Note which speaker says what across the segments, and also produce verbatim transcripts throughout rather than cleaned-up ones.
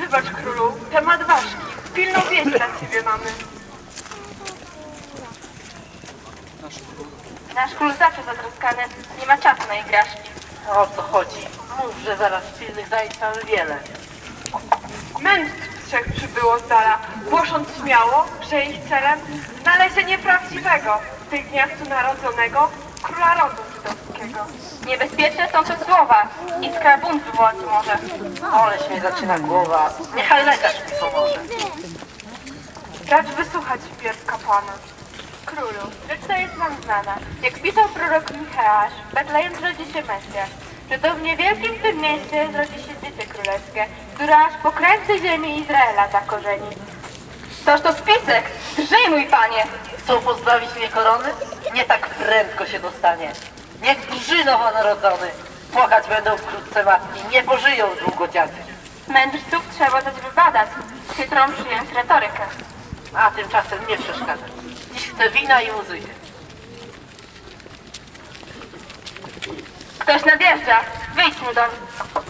Speaker 1: Wybacz, królu, temat ważki. Pilną wieść dla ciebie mamy.
Speaker 2: Nasz król zawsze zatroskany, nie ma czasu na igraszki.
Speaker 3: O co chodzi? Mów, że zaraz pilnych zajęć mamy wiele.
Speaker 1: Mędrców trzech przybyło z dala, głosząc śmiało, że ich celem znalezienie prawdziwego w tych dniach tu narodzonego króla rodu żydowskiego.
Speaker 2: Niebezpieczne są te słowa, iskra bunt wywołać może.
Speaker 3: Oleś mnie zaczyna głowa. Niechaj lekarz mi pomoże.
Speaker 1: Racz wysłuchać wpierw kapłana.
Speaker 2: Królu, rzecz ta jest nam znana. Jak pisał prorok Micheasz, w Betlejem zrodzi się Mesjasz, że to w niewielkim tym mieście zrodzi się dziecię królewskie, które aż po krańce ziemi Izraela zakorzeni. Toż to spisek! Drżyj, mój panie!
Speaker 3: Chcą pozbawić mnie korony? Nie tak prędko się dostanie. Niech drży nowonarodzony. Płakać będą wkrótce matki, nie pożyją długo dziady.
Speaker 2: Mędrców trzeba dać wybadać, chytrą przyjąć retorykę.
Speaker 3: A tymczasem nie przeszkadza. Dziś chcę wina i muzyki.
Speaker 2: Ktoś nadjeżdża, wyjdź mu dom.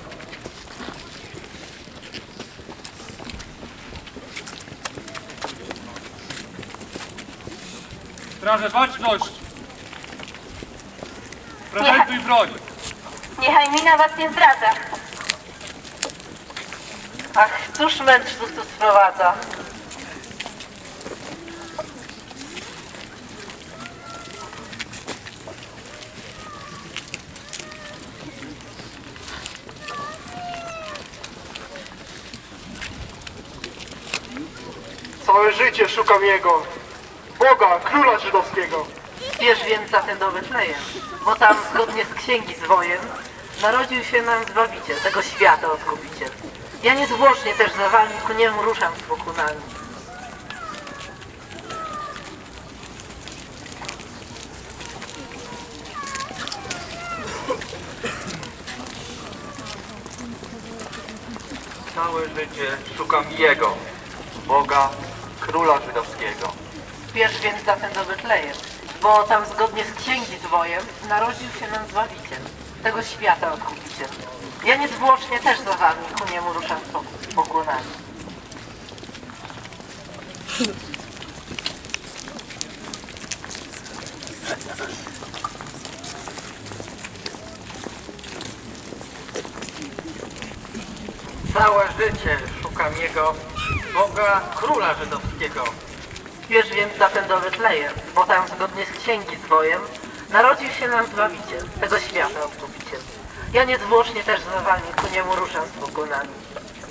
Speaker 4: Straże, baczność! Prezentuj broń!
Speaker 2: Niechaj mina was nie zdradza.
Speaker 3: Ach, cóż mędrców tu sprowadza?
Speaker 5: Całe życie szukam Jego, Boga, Króla Żydowskiego.
Speaker 3: Spiesz więc zatem do Betlejem, bo tam zgodnie z księgi zwojem narodził się nam Zbawiciel, tego świata Odkupiciel. Ja niezwłocznie też za wami ku niemu ruszam z pokunami.
Speaker 5: Całe życie szukam Jego, Boga, Króla Żydowskiego.
Speaker 3: Spiesz więc zatem do Betlejem, bo tam zgodnie z księgi zwojem narodził się nam Zbawiciel, tego świata Odkupiciel. Ja niezwłocznie też za wami ku niemu ruszam z pok- pokłonami.
Speaker 5: Całe życie szukam Jego, Boga, Króla Żydowskiego.
Speaker 3: Spiesz więc zatem do Betlejem, bo tam zgodnie z księgi zwojem narodził się nam Zbawiciel, tego świata Odkupiciel. Ja niezwłocznie też za wami ku niemu ruszam z pokunami.